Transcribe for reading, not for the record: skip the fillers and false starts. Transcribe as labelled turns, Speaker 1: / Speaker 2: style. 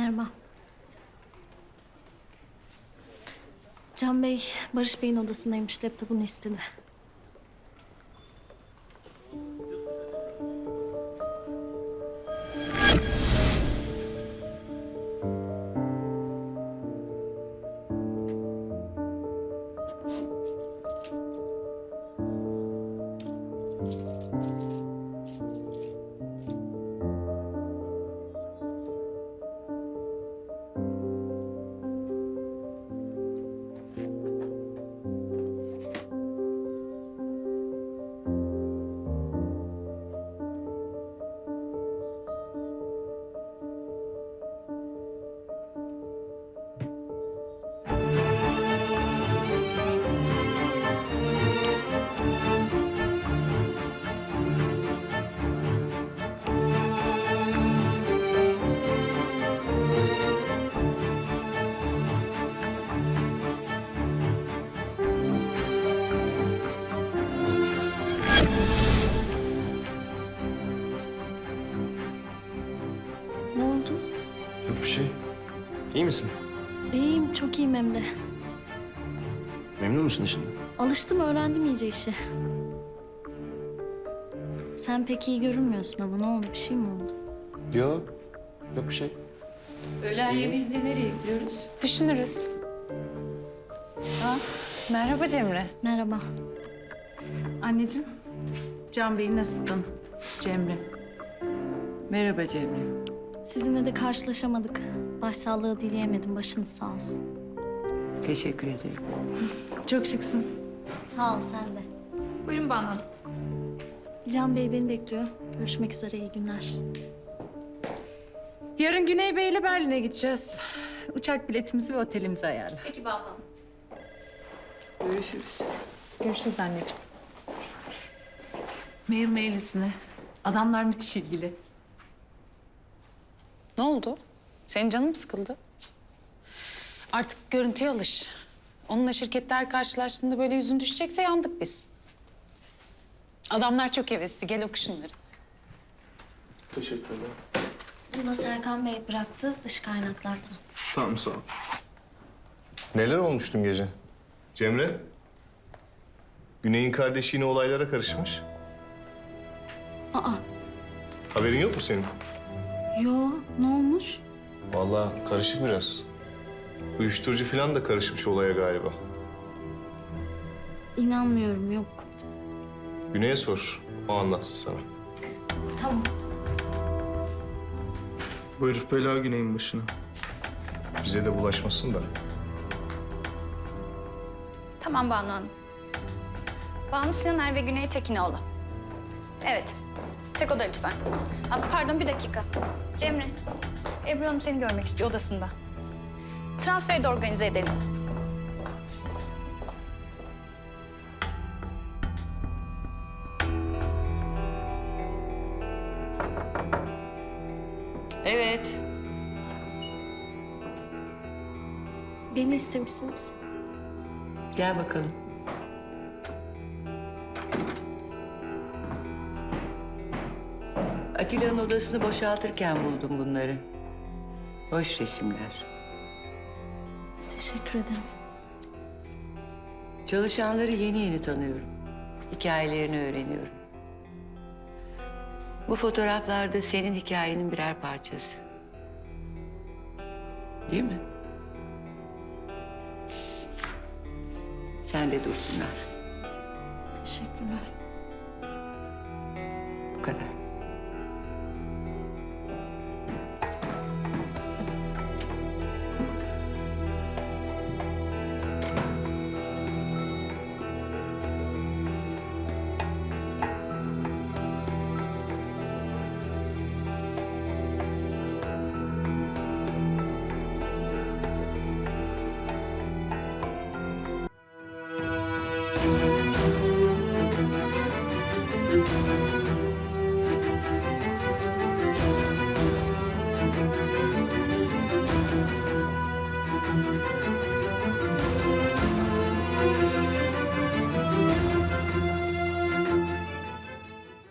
Speaker 1: Merhaba. Can Bey, Barış Bey'in odasındaymış. Laptopunu istedi. Ne oldu?
Speaker 2: Yok bir şey. İyi misin?
Speaker 1: İyiyim, çok iyiyim hem de.
Speaker 2: Memnun musun işinden?
Speaker 1: Alıştım, öğrendim iyice işi. Sen pek iyi görünmüyorsun ama ne oldu? Bir şey mi oldu?
Speaker 2: Yok. Yok bir şey.
Speaker 3: Öğlen yemeğinde nereye gidiyoruz? Düşünürüz. Merhaba Cemre.
Speaker 1: Merhaba.
Speaker 3: Anneciğim, Can Bey'in asistanı Cemre. Merhaba Cemre.
Speaker 1: Sizinle de karşılaşamadık. Başsağlığı dileyemedim. Başınız sağ olsun.
Speaker 3: Teşekkür ederim. Çok şıksın.
Speaker 1: Sağ ol, sen de.
Speaker 4: Buyurun Banu Hanım.
Speaker 1: Can Bey beni bekliyor. Görüşmek üzere, iyi günler.
Speaker 3: Yarın Güney Bey ile Berlin'e gideceğiz. Uçak biletimizi ve otelimizi ayarla.
Speaker 4: Peki Banu Hanım.
Speaker 3: Görüşürüz. Görüşürüz anneciğim. Mail üstüne. Adamlar müthiş ilgili.
Speaker 5: Ne oldu? Senin canın mı sıkıldı? Artık görüntüye alış. Onunla şirketler karşılaştığında böyle yüzün düşecekse yandık biz. Adamlar çok hevesli. Gel oku şunları.
Speaker 6: Teşekkür ederim.
Speaker 1: Bunu da Serkan Bey bıraktı dış kaynaklardan.
Speaker 6: Tamam, sağ ol.
Speaker 7: Neler olmuş dün gece? Cemre? Güney'in kardeşi yine olaylara karışmış.
Speaker 1: Aa,
Speaker 7: Haberin yok mu senin?
Speaker 1: yo, ne olmuş?
Speaker 7: Vallahi karışık biraz. Uyuşturucu falan da karışmış olaya galiba.
Speaker 1: İnanmıyorum, yok.
Speaker 7: Güney'e sor, o anlatsın sana.
Speaker 1: Tamam.
Speaker 6: Bu herif bela Güney'in başına.
Speaker 7: Bize de bulaşmasın da.
Speaker 4: Tamam Banu Hanım. Banu Sinaner ve Güney Tekinoğlu. Evet. Tek oda lütfen. Pardon, bir dakika. Cemre, Ebru Hanım seni görmek istiyor odasında. Transferi de organize edelim.
Speaker 3: Evet.
Speaker 1: Beni istemişsiniz.
Speaker 3: Gel bakalım.
Speaker 8: Atilla'nın odasını boşaltırken buldum bunları. Boş resimler.
Speaker 1: Teşekkür ederim.
Speaker 8: Çalışanları yeni yeni tanıyorum. Hikayelerini öğreniyorum. Bu fotoğraflar da senin hikayenin birer parçası. Değil mi? Sen de dursunlar.
Speaker 1: Teşekkürler.
Speaker 8: Bu kadar.